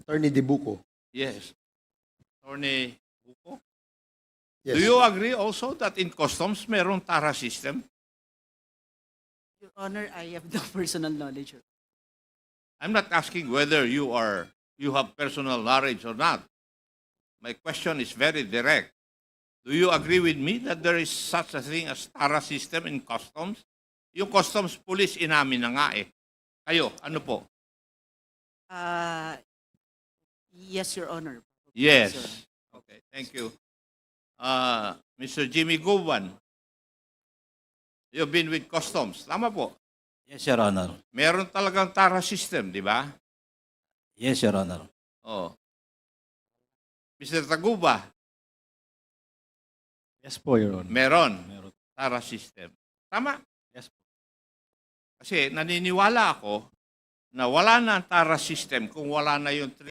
Attorney Dibuco. Yes. Attorney Buko, Yes. do you agree also that in customs meron TARA system? Your Honor, I have no personal knowledge. I'm not asking whether you have personal knowledge or not. My question is very direct. Do you agree with me that there is such a thing as TARA system in customs? Yung customs police inamin na nga eh. Kayo, ano po? Yes, Your Honor. Yes. Sir. Okay, thank you. Mr. Jimmy Guban, you've been with customs. Tama po. Yes, Your Honor. Meron talagang TARA system, di ba? Yes, Your Honor. Oh. Mr. Taguba, Yes po, Your Honor. meron Meron. TARA system. Tama. Yes po. Kasi naniniwala ako na wala na ang TARA system kung wala na yung